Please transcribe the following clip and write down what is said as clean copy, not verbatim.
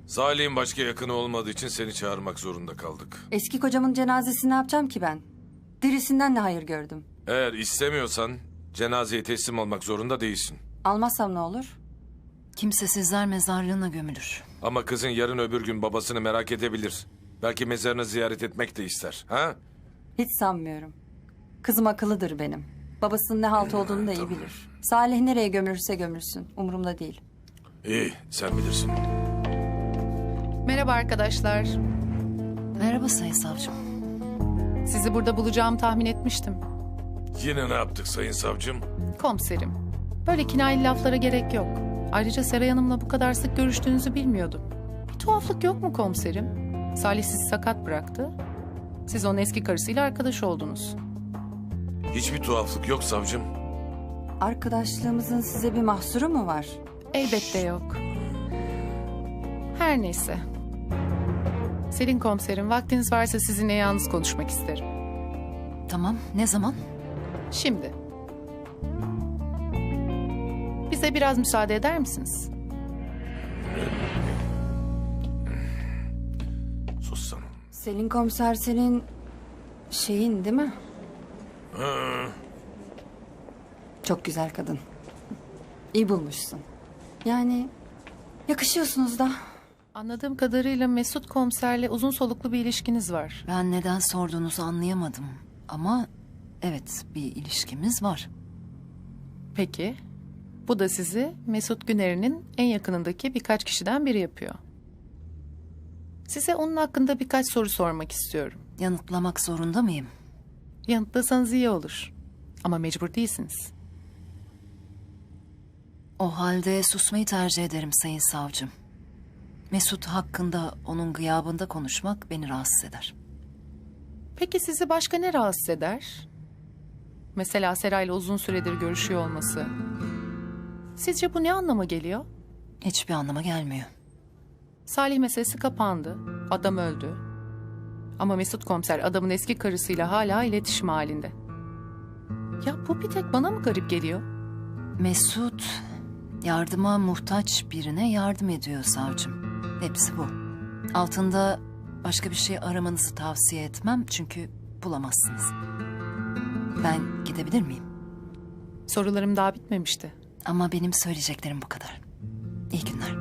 Salih'in başka yakını olmadığı için seni çağırmak zorunda kaldık. Eski kocamın cenazesini ne yapacağım ki ben? Dirisinden ne hayır gördüm. Eğer istemiyorsan cenazeye teslim olmak zorunda değilsin. Almazsam ne olur? Kimsesizler mezarlığına gömülür. Ama kızın yarın öbür gün babasını merak edebilir. Belki mezarını ziyaret etmek de ister. Ha? Hiç sanmıyorum. Kızım akıllıdır benim. Babasının ne halt olduğunu da iyi bilir. Salih nereye gömülürse gömülsün. Umurumda değil. İyi, sen bilirsin. Merhaba arkadaşlar. Merhaba Sayın Savcım. Sizi burada bulacağımı tahmin etmiştim. Yine ne yaptık sayın savcım? Komiserim. Böyle kinayeli laflara gerek yok. Ayrıca Seray Hanım'la bu kadar sık görüştüğünüzü bilmiyordum. Bir tuhaflık yok mu komiserim? Salih sizi sakat bıraktı. Siz onun eski karısıyla arkadaş oldunuz. Hiçbir tuhaflık yok savcım. Arkadaşlığımızın size bir mahsuru mu var? Elbette yok. Her neyse. Selin komiserim, vaktiniz varsa sizinle yalnız konuşmak isterim. Tamam, ne zaman? Şimdi. Bize biraz müsaade eder misiniz? Sus sen. Selin komiser senin şeyin değil mi? Çok güzel kadın. İyi bulmuşsun. Yani yakışıyorsunuz da. Anladığım kadarıyla Mesut komiserle uzun soluklu bir ilişkiniz var. Ben neden sorduğunuzu anlayamadım. Ama evet, bir ilişkimiz var. Peki. Bu da sizi Mesut Güner'in en yakınındaki birkaç kişiden biri yapıyor. Size onun hakkında birkaç soru sormak istiyorum. Yanıtlamak zorunda mıyım? Yanıtlasanız iyi olur. Ama mecbur değilsiniz. O halde susmayı tercih ederim Sayın Savcım. Mesut hakkında onun gıyabında konuşmak beni rahatsız eder. Peki sizi başka ne rahatsız eder? Mesela Seray'la uzun süredir görüşüyor olması. Sizce bu ne anlama geliyor? Hiçbir anlama gelmiyor. Salih meselesi kapandı. Adam öldü. Ama Mesut komiser adamın eski karısıyla hala iletişim halinde. Ya bu bir tek bana mı garip geliyor? Mesut yardıma muhtaç birine yardım ediyor savcım. Hepsi bu. Altında başka bir şey aramanızı tavsiye etmem çünkü bulamazsınız. Ben gidebilir miyim? Sorularım daha bitmemişti. Ama benim söyleyeceklerim bu kadar. İyi günler.